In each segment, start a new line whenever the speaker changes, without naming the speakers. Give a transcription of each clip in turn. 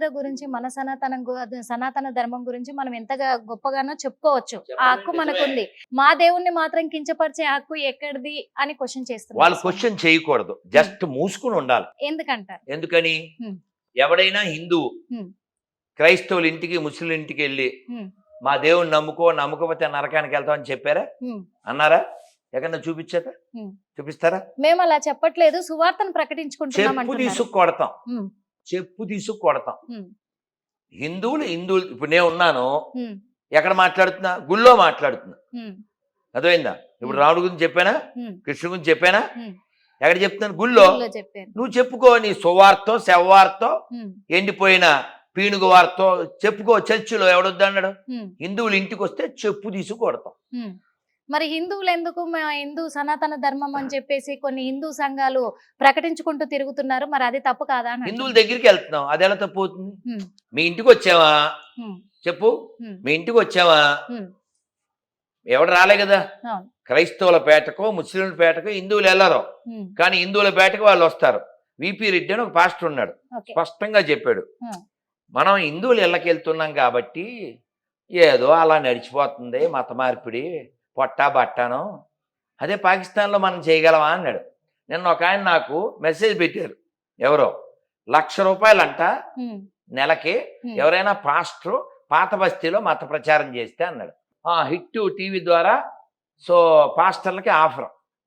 చరిత్ర గురించి మన సనాతన ధర్మం గురించి మనం ఎంతగా గొప్పగానో చెప్పుకోవచ్చు. ఆ హక్కు మనకుంది. మా దేవుణ్ణి మాత్రం కించపరిచే హక్కు ఎక్కడిది అని క్వశ్చన్
వాళ్ళు
చేస్తున్నారు.
క్వశ్చన్ చేయకూడదు, జస్ట్ మూసుకుని ఉండాలి.
ఎందుకంటారు?
ఎందుకని
హ్మ్.
ఎవడైనా హిందువు
హ్మ్.
క్రైస్తవుల ఇంటికి ముస్లిం ఇంటికి వెళ్ళి
హ్మ్.
మా దేవుని నమ్మకపోతే నరకానికి వెళ్తామని చెప్పారా?
హ్మ్.
అన్నారా? ఎక్కడన్నా చూపించారా?
హ్మ్.
చూపిస్తారా?
మేము అలా చెప్పట్లేదు, సువార్తను ప్రకటించుకుంటున్నాం
చెప్పు
అంటున్నారు.
తీసుకు కొడతాం,
హ్మ్.
చెప్పు తీసుకు కొడతాం.
హ్మ్.
హిందువులు ఇప్పుడు నేను ఉన్నాను,
హ్మ్.
ఎక్కడ మాట్లాడుతున్నా? గుళ్ళో మాట్లాడుతున్నా.
హ్మ్.
అర్థమైందా? ఇప్పుడు రాముడి గురించి చెప్పానా,
హ్మ్.
కృష్ణుడి గురించి చెప్పానా?
హ్మ్.
ఎక్కడ చెప్తున్నాను? గుళ్ళో.
గుళ్ళో చెప్పారు.
నువ్వు చెప్పుకో, నీ సువార్తో శవవార్తో
హ్మ్.
ఎండిపోయిన పీనుగు వార్తో చెప్పుకో. చర్చిలో ఎవడొద్దన్నాడు?
హ్మ్.
హిందువులు ఇంటికి వస్తే చెప్పు తీసుకు కొడతాం.
హ్మ్. మరి హిందువులు ఎందుకు హిందూ సనాతన ధర్మం అని చెప్పేసి కొన్ని హిందూ సంఘాలు ప్రకటించుకుంటూ తిరుగుతున్నారు? మరి అది తప్పు కాదా అని
హిందువుల
అంటున్నారు.
దగ్గరికి వెళ్తున్నాం, అది ఎలా తప్పు అవుతుంది?
హ్మ్.
మీ ఇంటికి వచ్చావా?
హ్మ్.
చెప్పు.
హ్మ్.
మీ ఇంటికి వచ్చావా?
హ్మ్.
ఎవడు రాలే కదా.
అవును.
క్రైస్తవుల పేటకో ముస్లింల పేటకో హిందువులు వెళ్ళరు,
హ్మ్.
కానీ హిందువుల పేటకు వాళ్ళు వస్తారు. విపి రెడ్డి అని ఒక పాస్టర్ ఉన్నాడు,
ఓకే.
స్పష్టంగా చెప్పాడు,
హ్మ్.
మనం హిందువులు ఇళ్ళకి వెళ్తున్నాం కాబట్టి ఏదో అలా నడిచిపోతుంది మత మార్పిడి, పొట్టా బట్టాను, అదే పాకిస్తాన్లో మనం చేయగలమా అన్నాడు. నిన్న ఒక ఆయన నాకు మెసేజ్ పెట్టారు, ఎవరో ₹1,00,000 అంట
హ్మ్.
నెలకి
హ్మ్.
ఎవరైనా పాస్టర్ పాత బస్తీలో మత ప్రచారం చేస్తే అన్నాడు. హిట్ టీవీ ద్వారా సో పాస్టర్లకి ఆఫర్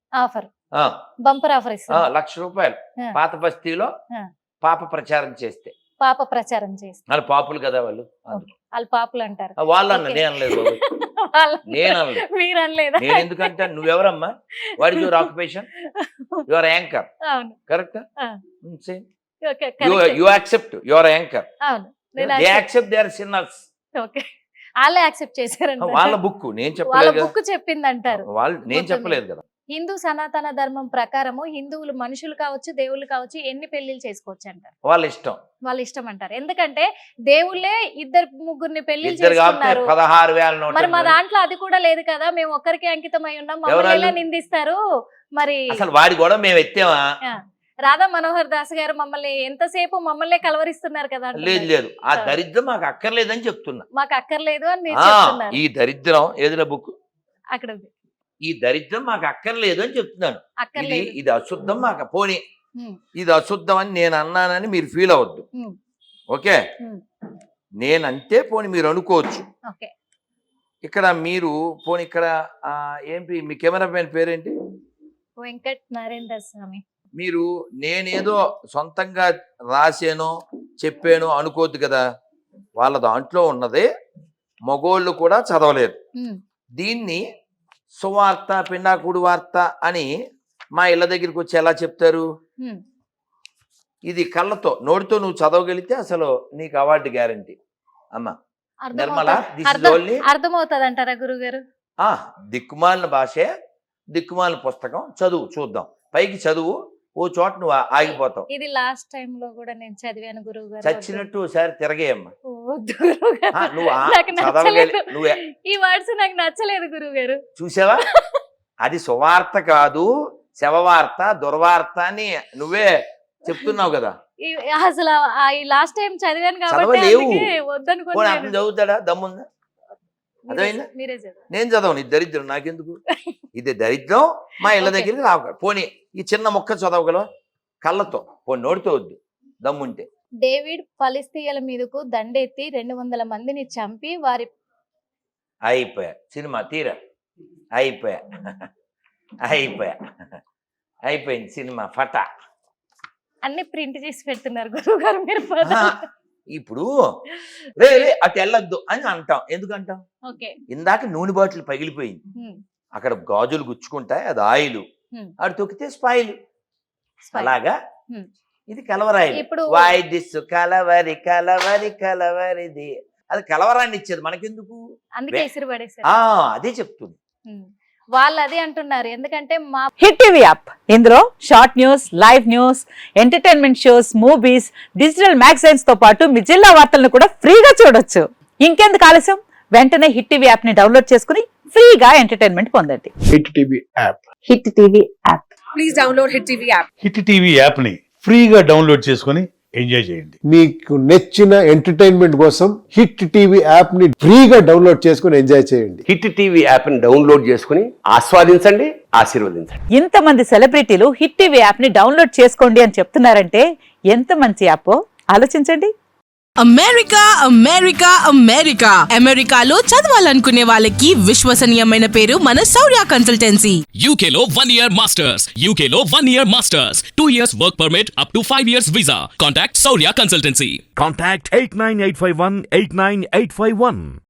బంపర్ ఆఫర్ ఇస్తారు.
₹1,00,000
ఆ.
పాత బస్తీలో
ఆ.
పాప ప్రచారం చేస్తే.
పాప ప్రచారం చేస్తారు.
వాళ్ళు పాపులు కదా వాళ్ళు,
వాళ్ళు పాపులు అంటారు.
వాళ్ళు అన్న
ఓకే.
నేను అనలేదు బాబు, నేను అనలేదు.
మీరు అనలేదా?
నేను ఎందుకంటే నువ్వెవరమ్మా? What is your occupation? Your anchor,
అవును.
కరెక్ట్?
ఆ. Okay,
you
correct.
Accept your anchor,
అవును. నేను
they accept they are sinners.
Okay. వాళ్ళే యాక్సెప్ట్ చేశారంట.
వాళ్ళ బుక్ నేను
వాళ్ళ
చెప్పలేదు కదా,
బుక్ చెప్పింది అంటారు.
వాళ్ళు నేను
మొత్తం
చెప్పలేదు కదా.
హిందూ సనాతన ధర్మం ప్రకారము హిందువులు మనుషులు కావచ్చు, దేవుళ్ళు కావచ్చు, ఎన్ని పెళ్లిళ్ళు చేసుకోవచ్చు అంటారు?
వాళ్ళ ఇష్టం,
వాళ్ళ ఇష్టం అంటారు. ఎందుకంటే దేవుళ్ళే ఇద్దరు ముగ్గురిని పెళ్లిళ్ళు
ఇద్దరు కాబట్టి
చేసుకున్నారు.
16,000
మరి మా
నోట్లు.
దాంట్లో అది కూడా లేదు కదా, మేము ఒక్కరికే అంకితమై ఉన్నాం, మమ్మల్ని ఎలా నిందిస్తారు మరి?
అసలు వాడి కూడా మేము ఎత్తామా?
ఆ, రాధా మనోహర్ దాస్ గారు మమ్మల్ని ఎంతసేపు మమ్మల్ని కలవరిస్తున్నారు కదా
లేదు
అంటున్నారు.
లేదు, ఆ దరిద్రం మాకు అక్కర్లేదని చెప్తున్నా.
మాకు అక్కర్లేదు అని మీరు చెప్తున్నారు.
ఈ దరిద్రం ఏదిరా బుక్,
అక్కడ ఉంది.
ఈ దరిద్రం మాకు అక్కర్లేదు అని చెప్తున్నాను.
అక్కర్లేదు.
ఇది అశుద్ధం మాకు, పోనీ
హ్మ్.
ఇది అశుద్ధం అని నేను అన్నానని మీరు ఫీల్ అవ్వద్దు,
హ్మ్.
ఓకే?
హ్మ్.
నేనంటే పోనీ మీరు అనుకోవచ్చు.
ఓకే.
ఇక్కడ మీరు పోనీ ఇక్కడ ఏంటి మీ కెమెరా మ్యాన్ పేరేంటి?
వెంకట్ నరేంద్ర స్వామి.
మీరు నేనేదో సొంతంగా రాసానో చెప్పానో అనుకోవద్దు కదా. వాళ్ళ దాంట్లో ఉన్నదే మగోళ్ళు కూడా చదవలేదు.
హ్మ్.
దీన్ని సువార్త పిండాకుడు వార్త అని మా ఇళ్ళ దగ్గరికి వచ్చి ఎలా చెప్తారు?
హ్మ్.
ఇది కళ్ళతో నోటితో నువ్వు చదవగలిగితే అసలు నీకు అవార్డు గ్యారంటీ. అమ్మ నిర్మల, దిస్ ఇస్ ఓన్లీ
అర్థమవుతుంది అంటారా గురుగారు?
దిక్కుమాలిన భాషే, దిక్కుమాలిన పుస్తకం, చదువు చూద్దాం. పైకి చదువు, ఓ చోట నువ్వు ఆగిపోతావు.
ఇది లాస్ట్ టైం లో కూడా నేను చదివాను గురువు గారు.
చచ్చినట్టు ఒకసారి తిరగేయమ్మా. నువ్వు
నువ్వు ఈ వర్డ్స్ నాకు నచ్చలేదు గురువు గారు.
చూసావా? అది సువార్త కాదు, శవవార్త, దుర్వార్త అని నువ్వే చెప్తున్నావు కదా.
అసలు ఈ లాస్ట్ టైం చదివాను కాబట్టి
చదవలేవు.
వద్దనుకోండి.
అతను చదువుతాడా? దమ్ముందా? అర్థమైందా? నేను చదవను, ఇది దరిద్రం నాకెందుకు? ఇది దరిద్రం, మా ఇళ్ళ దగ్గరికి రావు. పోనీ ఈ చిన్న మొక్క చదవగలవా కళ్ళతో? పోనీ నోటితో వద్దు, దమ్ముంటే.
డేవిడ్ ఫలిస్తీయుల మీదకు దండెత్తి 200 మందిని చంపి వారి
అయిపోయా సినిమా తీరా, అయిపోయా అయిపోయింది సినిమా ఫటా.
అన్ని ప్రింట్ చేసి పెడుతున్నారు గురువు గారు మీరు.
ఇప్పుడు రే అటు వెళ్ళొద్దు అని అంటాం. ఎందుకంటాం? ఇందాక నూనె బాటిల్ పగిలిపోయింది, అక్కడ గాజులు గుచ్చుకుంటాయి, అది ఆయిల్, అటు తొక్కితే స్పాయిల్. అలాగా ఇది కలవరాయి. వై దిస్ కలవరి కలవరి కలవరిది, అది కలవరాన్ని ఇచ్చేది మనకెందుకు? అదే చెప్తుంది.
వాళ్ళు అదే అంటున్నారు. ఎందుకంటే మా
హిట్ టీవీ యాప్, ఇందులో short news, live news, entertainment shows, movies, digital magazines తో పాటు మీ జిల్లా వార్తలను కూడా ఫ్రీగా చూడొచ్చు. ఇంకెందుకు ఆలస్యం, వెంటనే హిట్ టీవీ యాప్ ని డౌన్లోడ్ చేసుకుని ఫ్రీగా ఎంటర్టైన్మెంట్ పొందండి.
Hit TV app,
Hit TV app,
please download Hit TV app.
Hit TV app ని ఫ్రీగా డౌన్లోడ్ చేసుకుని ఎంజాయ్ చేయండి.
మీకు నచ్చిన ఎంటర్టైన్మెంట్ కోసం హిట్ టీవీ యాప్ ని ఫ్రీగా డౌన్లోడ్ చేసుకుని ఎంజాయ్ చేయండి.
హిట్ టీవీ యాప్ ని డౌన్లోడ్ చేసుకుని ఆస్వాదించండి, ఆశీర్వదించండి.
ఇంతమంది సెలబ్రిటీలు హిట్ టీవీ యాప్ ని డౌన్లోడ్ చేసుకోండి అని చెప్తున్నారంటే ఎంత మంచి యాప్ ఆలోచించండి.
అమెరికా అమెరికా అమెరికా అమెరికాలో చదవాలనుకునే వాళ్ళకి విశ్వసనీయమైన పేరు మన శౌర్య కన్సల్టెన్సీ.
UK లో 1 year masters. UK లో 1 year masters. 2 years work permit up to 5 years visa. Contact Saurya Consultancy.
Contact 89851 89851.